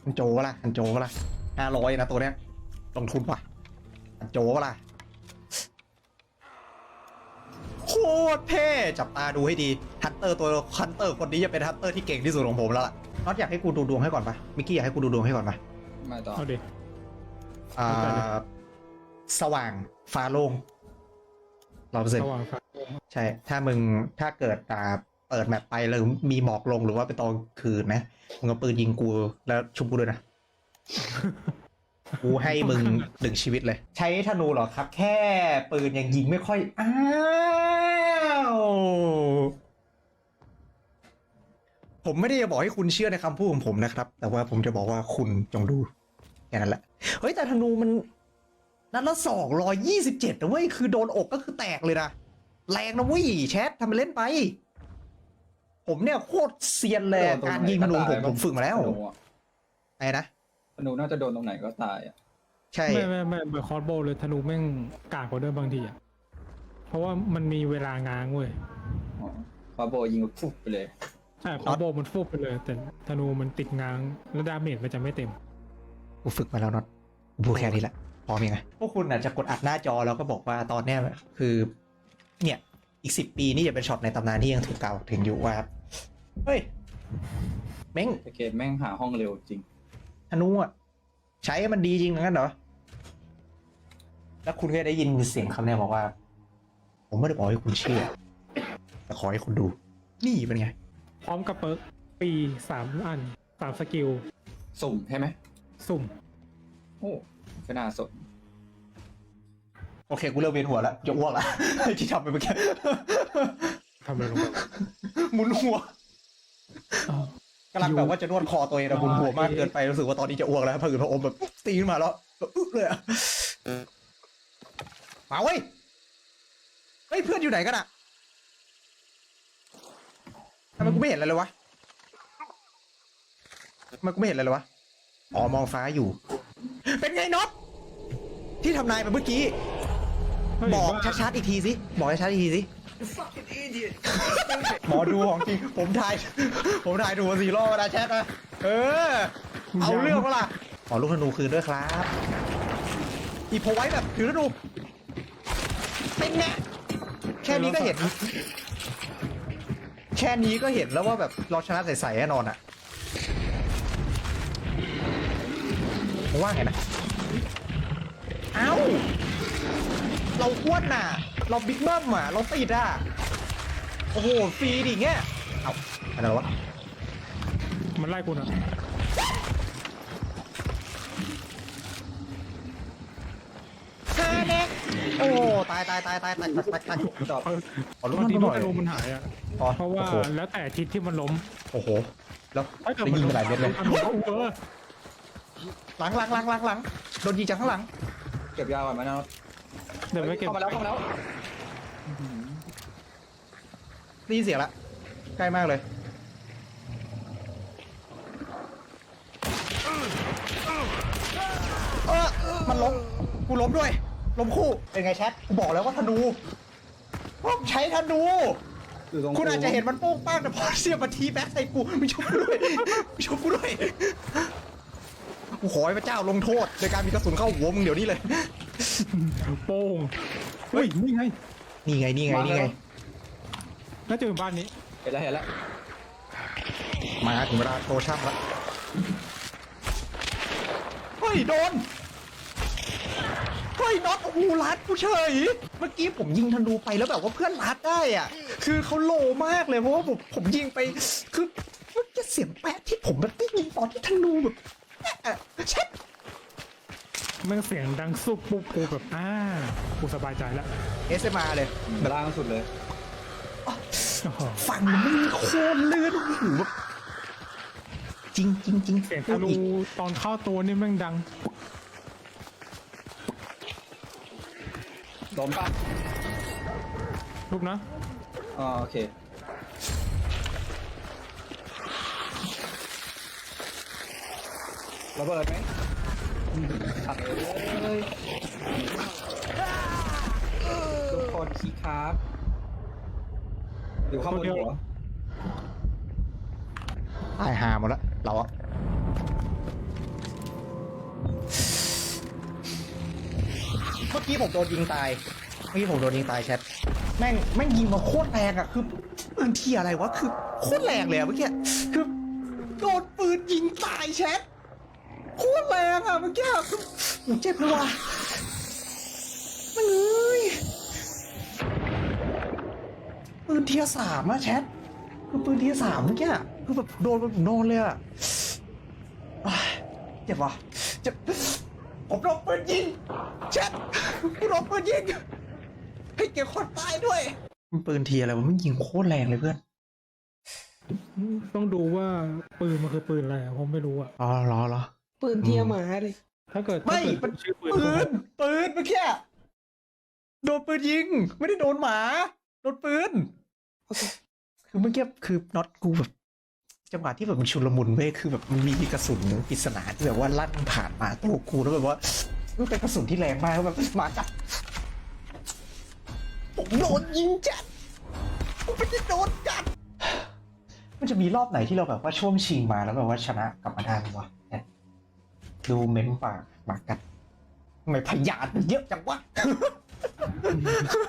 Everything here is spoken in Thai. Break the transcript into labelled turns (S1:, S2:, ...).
S1: ฮันโจวะล่ะฮันโจวะล่ะ500นะตัวเนี้ยลงทุนว่ะฮันโจวะล่ะโคตรเท่จับตาดูให้ดีฮันเตอร์คนนี้จะเป็นฮันเตอร์ที่เก่งที่สุดของผมแล้วล่ะน็อตอยากให้กูดูดวงให้ก่อนปะมิกกี้อยากให้กูดูดวงให้ก่อนปะ
S2: มาต่อ
S3: เอาดิ
S1: สว่างฟ้าโล่ง100%
S3: สว่างฟ้า
S1: ใช่ถ้าเกิดเปิดแมปไปแล้วมีหมอกลงหรือว่าเป็นตอนคืนนะมึงเอาปืนยิงกูแล้วชุบกูด้วยนะ กูให้มึง1 ชีวิตเลย ใช้ธนูเหรอครับ แค่ปืนยังยิงไม่ค่อยอ้าวผมไม่ได้จะบอกให้คุณเชื่อในคำพูดของผมนะครับ แต่ว่าผมจะบอกว่าคุณจงดูแค่นั้นแหละเฮ้ยแต่ธนูมันนัดละ227นะเว้ยคือโดนอกก็คือแตกเลยนะแรงนะเว้ยแชททำไปเล่นไปผมเนี่ยโคตรเซียนเลยการยิงธนูผมฝึกมาแล้วไอ้นะ
S2: ธนูน่าจะโดนตรงไหนก็ตายอ่ะ
S1: ใช่
S3: ไม่เบอร์คอร์สโบเลยธนูแม่งกากกว่าเดิมบางทีอ่ะเพราะว่ามันมีเวลาง้างเว้ย
S2: ฟาโบยิงฟุบไปเลย
S3: ใช่คอร์สโบมันฟุบไปเลยแต่ธนูมันติดง้างแล้วดาเมจมันจะไม่เต็ม
S1: กูฝึกมาแล้วน็อตพูดแค่นี้แหละพอมีไงพวกคุณอาจจะกดอัดหน้าจอแล้วก็บอกว่าตอนเนี้ยคือเนี่ยอีก10 ปีนี่จะเป็นช็อตในตำนานที่ยังถูกกล่าวถึงอยู่ว่าเฮ้ยเม้ง
S2: เกมแม่งหาห้องเร็วจริง
S1: ธนูอ่ะใช้มันดีจริงงั้นเหรอแล้วคุณก็ได้ยินเสียงคำนี้บอกว่าผมไม่ได้บอกให้คุณเชื่อแต่ขอให้คุณดูนี่เป็นไง
S3: พร้อมกับเปิร์กปี3 อัน3 สกิล
S2: สุ่มใช่ไหม
S3: สุ่ม
S2: โอ้ก็น่าสน
S1: โอเคกูเริ่มเวียนหัวแล้วจะอ้วกแล้วที่ทำไปเมื่อกี้
S3: ทำอะไรลงไป
S1: หมุนหัวกำลังแบบว่าจะนวดคอตัวเองนะหมุนหัวมากเกินไปรู้สึกว่าตอนนี้จะอ้วกแล้วพออืดพออมแบบตีขึ้นมาแล้วแบบอึ๊บเลยอะมาเว้ยเฮ้ยเพื่อนอยู่ไหนกันอะทำไมกูไม่เห็นอะไรเลยวะทำไมกูไม่เห็นอะไรเลยวะอ๋อมองฟ้าอยู่เป็นไงน็อตที่ทำนายไปเมื่อกี้บอกชัดๆอีกทีสิบอกชัดๆอีกทีสิหมอดูของจริงผมถ่ายดู4 รอบนะแชทนะเอาเรื่องเปล่าขอลูกธนูคืนด้วยครับอีโพไว้แบบถือธนูเป็นไงแค่นี้ก็เห็นแล้วว่าแบบเราชนะใสๆแน่นอนอ่ะว่าไงนะเอ้าเราอ้วนน่ะเราบิ๊กเบิ้มอ่ะเราติดอ่ะโอ้โหฟรีดิเงี้ยเอ้าอะไรวะ
S3: มันไล่กูนะ
S1: โอ้ตาย
S3: ขอรู้ที่ว่ามันหายอ่ะเพราะว่าแล้วแต่ทิศที่มันล้ม
S1: โอ้โหแล้วได้ยิงไปหลายเม็ดเลยหลังโดนยิงจากข้างหลัง
S2: เก็บยาก่อนไหมนะ
S3: เดี๋ยวไม่เก็บ
S2: เข้ามาแล้ว
S1: ได้ยินเสียงละใกล้มากเลยมันล้มกูล้มด้วยล้มคู่เป็นไงแชทกูบอกแล้วว่าธนูใช้ธนูคุณอาจจะเห็นมันโป้งป้างแต่พอเสียบมาทีแบ็คใส่กูไม่ชุบกูด้วยกูขอให้พระเจ้าลงโทษโดยการมีกระสุนเข้าหัวมึงเดี๋ยวนี้เลย
S3: โป้งเฮ้ยนี่ไงน่าจะเป็นบ้านนี้
S2: เห็นแล้ว
S1: มาถึงเวลาโตช่ำแล้วเฮ้ยโดนน็อตโอ้โหลัดกูเฉยเมื่อกี้ผมยิงธนูไปแล้วแบบว่าเพื่อนลัดได้อ่ะคือเขาโลมากเลยเพราะว่าผมยิงไปคือมันจะเสียงแป๊ะที่ผมแบบยิงตอนที่ธนูแบบเช็ด
S3: มันเสียงดังซุบปุ๊บกูแบบกูสบายใจแล้ว
S1: SMR เลย
S2: ล่างสุดเลย
S1: ฟังมันไม่โคตรเลื่อนหูแบบจริง
S3: เสียงธนูตอนเข้าตัวนี่แม่งดัง
S2: ล้มป่ะ
S3: ลูกนะ
S2: โอเคระเบิดไหมตัดเลยทุกคนคีครับอยู่ข้างบนหัว
S1: ตายหาหมดแล้วเราอะเมื่อกี้ผมโดนยิงตายแชทแม่งยิงมาโคตรแรงอ่ะคือปืนเทียอะไรวะคือโคตรแรงเลยอะเมื่อกี้คือโดนปืนยิงตายแชทโคตรแรงอ่ะเมื่อกี้คือผมเจ็บเลยว่ะมันเอ้ยปืนเทีย3อะแชทคือปืนเทีย3เมื่อกี้คือแบบโดนไปผมนอนเลยอะอ้ายเจ็บว่ะเจ็บผมโดนปืนยิงแชทผมโดนปืนยิงให้เก็บคนตายด้วยมันปืนเทียอะไรวะมันยิงโคตรแรงเลยเพื่อน
S3: ต้องดูว่าปืนมันคือปืนอะไรอะผมไม่รู้อะ
S1: อ๋อเหรอ
S2: ปืนเทียหมาเลย
S3: ถ้าเกิด
S1: ไม่
S3: ถ้าเกิด
S1: มัน
S3: ชื่อปืน
S1: ปืนเมื่อกี้โดนปืนยิง ไม่ได้โดนหมาโดนปืน
S2: โอเค
S1: คือเมื่อกี้คือน็อตกูแบบจังหวะที่แบบมันชุลมุนเว้ยคือแบบมันมีกระสุนปริศนาที่แบบว่าลั่นผ่านมาตัวกูแล้วแบบว่ามันเป็นกระสุนที่แรงมากแล้วแบบหมากัดผมโดนยิงจัดผมไม่ได้โดนกัดมันจะมีรอบไหนที่เราแบบว่าช่วงชิงมาแล้วแบบว่าชนะกลับมาได้ไหมวะเนี่ยดูเม้มปากหมากัดทำไมพยานมันเยอะจังวะ